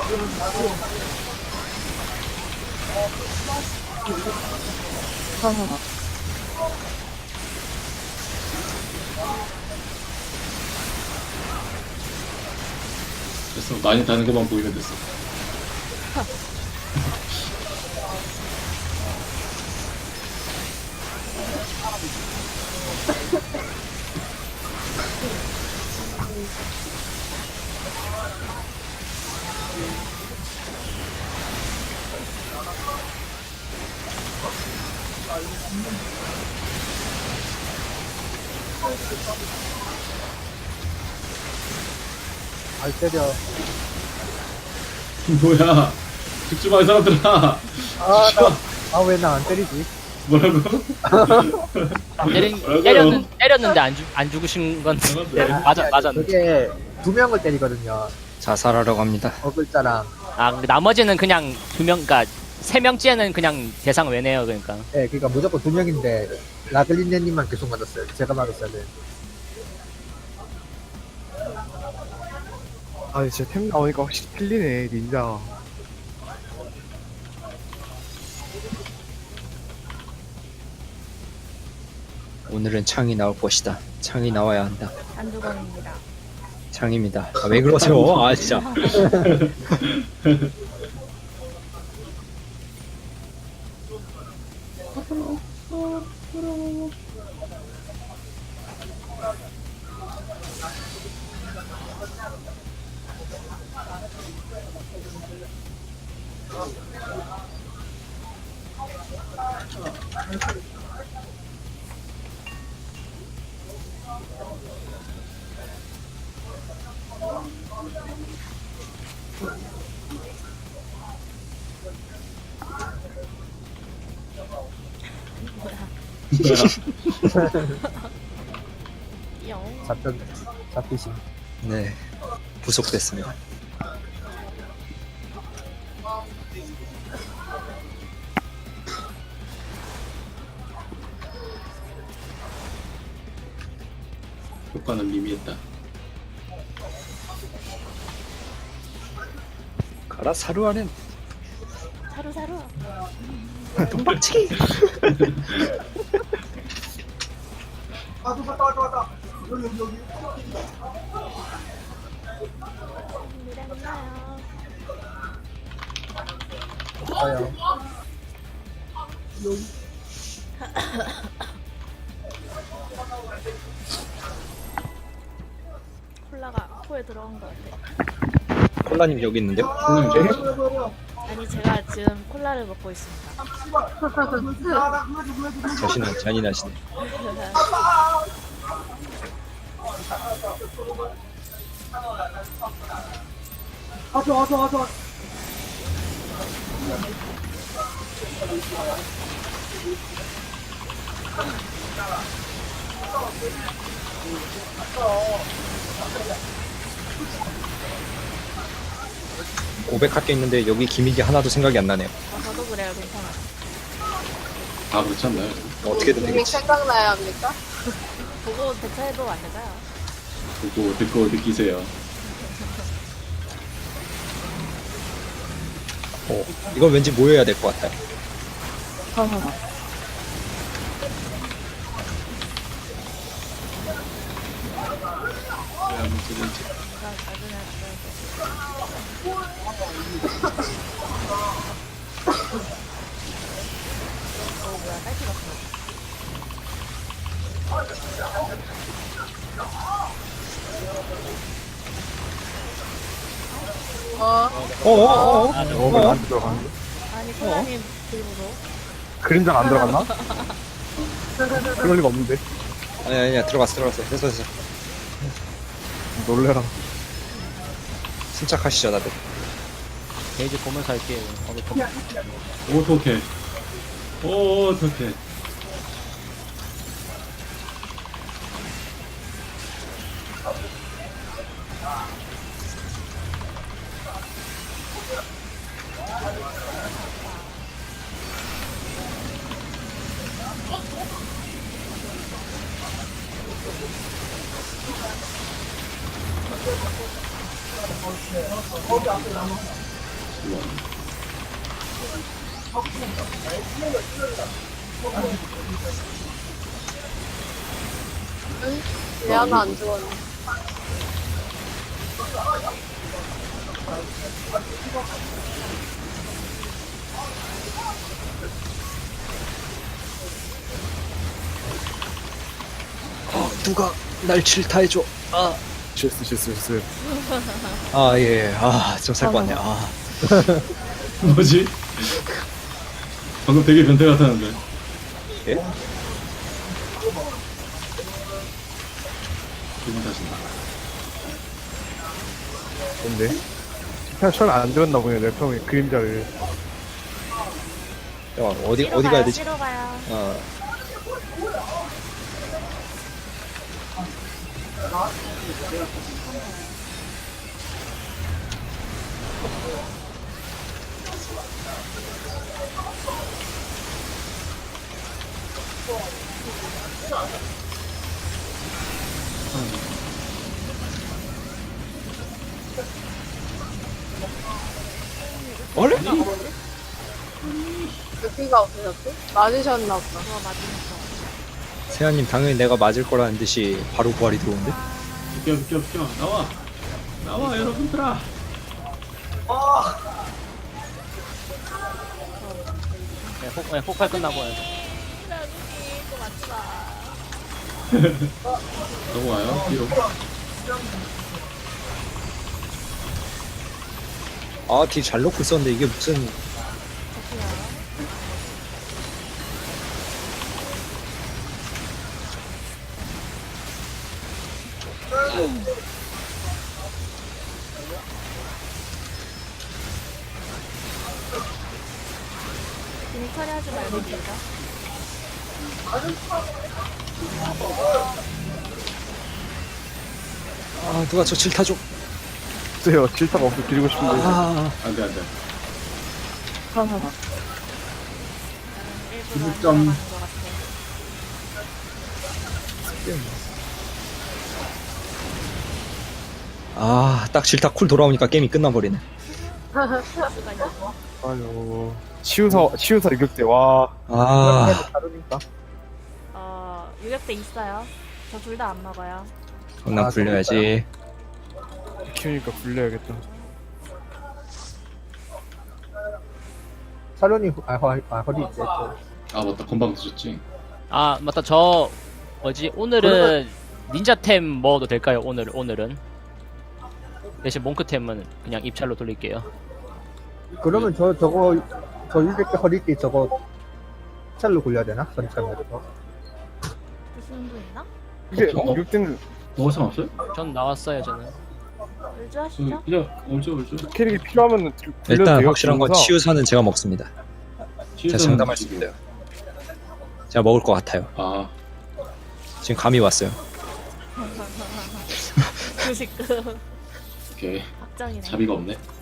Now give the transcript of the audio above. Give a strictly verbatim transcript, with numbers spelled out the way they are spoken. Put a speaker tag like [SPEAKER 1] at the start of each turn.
[SPEAKER 1] 됐어. 많이 다는 것만 보이면 됐어.
[SPEAKER 2] 알 때려.
[SPEAKER 1] 뭐야? 죽지 마, 이 사람들아.
[SPEAKER 2] 아, 나, 아, 왜 나 안 때리지?
[SPEAKER 1] 뭐라고?
[SPEAKER 3] 때린,
[SPEAKER 1] 뭐라고요?
[SPEAKER 3] 때렸는, 때렸는데 안, 죽, 안 죽으신 건
[SPEAKER 1] 네.
[SPEAKER 3] 맞아, 맞았네.
[SPEAKER 2] 그게 두 명을 때리거든요.
[SPEAKER 4] 자살하려고 합니다.
[SPEAKER 2] 어글자랑.
[SPEAKER 3] 아, 나머지는 그냥 두 명, 그니까 세 명째는 그냥 대상 외네요, 그러니까.
[SPEAKER 2] 네, 그러니까 무조건 두 명인데 라글린네님만 계속 맞았어요. 제가 맞았어야 돼.
[SPEAKER 5] 아 진짜 템 나오니까 확실히 틀리네 닌자.
[SPEAKER 4] 오늘은 창이 나올 것이다. 창이 나와야 한다.
[SPEAKER 6] 안주건입니다.
[SPEAKER 4] 창입니다. 아, 왜 그러세요? 아 진짜.
[SPEAKER 6] 영.
[SPEAKER 2] 잡혔, 잡히신.
[SPEAKER 4] 네. 부속됐습니다.
[SPEAKER 1] 효과는 미미했다.
[SPEAKER 4] 가라 사루하는
[SPEAKER 6] 사루 사루.
[SPEAKER 4] 동방치기.
[SPEAKER 6] 미랬나요?
[SPEAKER 2] 아요.
[SPEAKER 6] 콜라가 코에 들어간 것 같아.
[SPEAKER 4] 콜라님 여기 있는데요?
[SPEAKER 6] 아니 제가 지금 콜라를 먹고 있습니다.
[SPEAKER 4] 자신은 잔인하시네. 고백할 게 있는데 여기 기믹이 하나도 생각이 안 나네요.
[SPEAKER 6] 아, 저도 그래요. 괜찮아.
[SPEAKER 1] 다 그렇지 않나요?
[SPEAKER 4] 어떻게든
[SPEAKER 7] 이미
[SPEAKER 4] 되겠지.
[SPEAKER 7] 생각나야 합니까?
[SPEAKER 6] 보고 대처해도 안 되나요?
[SPEAKER 1] 보고 듣고 느끼세요.
[SPEAKER 4] 어, 이건 왠지 모여야 될 것 같아요.
[SPEAKER 1] 왜 한번 쓰는지.
[SPEAKER 6] 제가 나중에 어 뭐야 딸기 같어.
[SPEAKER 7] 어,
[SPEAKER 4] 어어어.
[SPEAKER 3] 아,
[SPEAKER 5] 어, 왜 나한테 들어가는데?
[SPEAKER 6] 아니 콜라님 들고서
[SPEAKER 5] 그림자가 안 들어갔나? 그럴 리가 없는데.
[SPEAKER 4] 아니 아니야 들어갔어 들어갔어. 됐어 됐어.
[SPEAKER 5] 놀래라.
[SPEAKER 4] 침착하시죠 다들.
[SPEAKER 3] 게이지 보면서 할게요. 어,
[SPEAKER 1] 어떡해. 어떡해. 뭐.
[SPEAKER 7] 왜 하나 안 죽었네.
[SPEAKER 4] 어, 누가 날 질타해줘. 아,
[SPEAKER 5] 실수 실수 실수.
[SPEAKER 4] 아 예, 아좀 살 것 같네. 아,
[SPEAKER 1] 뭐지? 방금 되게 변태 같았는데.
[SPEAKER 4] 예?
[SPEAKER 1] 기분 탓인가?
[SPEAKER 5] 근데 그냥 처음에 안 들었나 보네. 내 처음에 그림자를.
[SPEAKER 4] 야, 어디
[SPEAKER 6] 뒤로
[SPEAKER 4] 어디
[SPEAKER 6] 가요,
[SPEAKER 4] 가야 되지?
[SPEAKER 6] 뒤로 가요.
[SPEAKER 4] 어, 원래?
[SPEAKER 7] 여기가 없으셨지? 맞으셨나 보다.
[SPEAKER 6] 그거 맞으면서.
[SPEAKER 4] 세아님 당연히 내가 맞을 거라는 듯이 바로 부활이 들어오는데?
[SPEAKER 1] 비켜 비켜 비켜 나와 나와 여러분들아.
[SPEAKER 3] 네, 폭, 네, 폭발 끝나고 해요.
[SPEAKER 6] 라국이 그거 맞지 마.
[SPEAKER 1] 넘어와요 뒤로.
[SPEAKER 4] 아, 딜 잘 넣고 있었는데 이게 무슨
[SPEAKER 6] 저기요. 괜히 처리하지 말고 진짜.
[SPEAKER 4] 아, 누가 저 질타 줘.
[SPEAKER 5] 글쎄요. 질타가 없어 드리고 싶은데.
[SPEAKER 4] 아,
[SPEAKER 1] 안돼 안돼.
[SPEAKER 6] 일부러 안
[SPEAKER 1] 점.
[SPEAKER 6] 들어가는 것 같아.
[SPEAKER 4] 아, 딱 질타 쿨 돌아오니까 게임이 끝나버리네.
[SPEAKER 6] 시간이.
[SPEAKER 5] 아유. 치유사 치유사 유격대 와.
[SPEAKER 4] 아,
[SPEAKER 2] 다르니까.
[SPEAKER 6] 어, 유격대 있어요. 저 둘 다 안 먹어요.
[SPEAKER 4] 난
[SPEAKER 2] 아,
[SPEAKER 4] 굴려야지.
[SPEAKER 5] 키우니까 굴려야겠다.
[SPEAKER 2] 사련이 아, 허, 아 허리 있지. 또.
[SPEAKER 1] 아 맞다 건방 드셨지.
[SPEAKER 3] 아 맞다 저 뭐지 오늘은 닌자템 먹어도 될까요? 오늘 오늘은 대신 몽크템은 그냥 입찰로 돌릴게요.
[SPEAKER 2] 그러면 저 저거 저 일백 개 허리 띠 저거 찰로 굴려야 되나? 선착으로.
[SPEAKER 6] 무슨 분 있나?
[SPEAKER 5] 이게
[SPEAKER 1] 어?
[SPEAKER 5] 유격대는
[SPEAKER 1] 뭐가 상관없어요?
[SPEAKER 3] 전 나왔어요 저는.
[SPEAKER 6] 울주 하시죠?
[SPEAKER 1] 그냥 얼죠 얼죠.
[SPEAKER 5] 캐릭이 필요하면 굴려도
[SPEAKER 4] 일단
[SPEAKER 5] 돼요,
[SPEAKER 4] 확실한 건
[SPEAKER 5] 그래서.
[SPEAKER 4] 치유사는 제가 먹습니다. 제가 장담할 수 있어요. 제가 먹을 것 같아요.
[SPEAKER 1] 아
[SPEAKER 4] 지금 감이 왔어요.
[SPEAKER 6] 그 지금
[SPEAKER 1] 오케이
[SPEAKER 6] 확정이네.
[SPEAKER 1] 자비가 없네.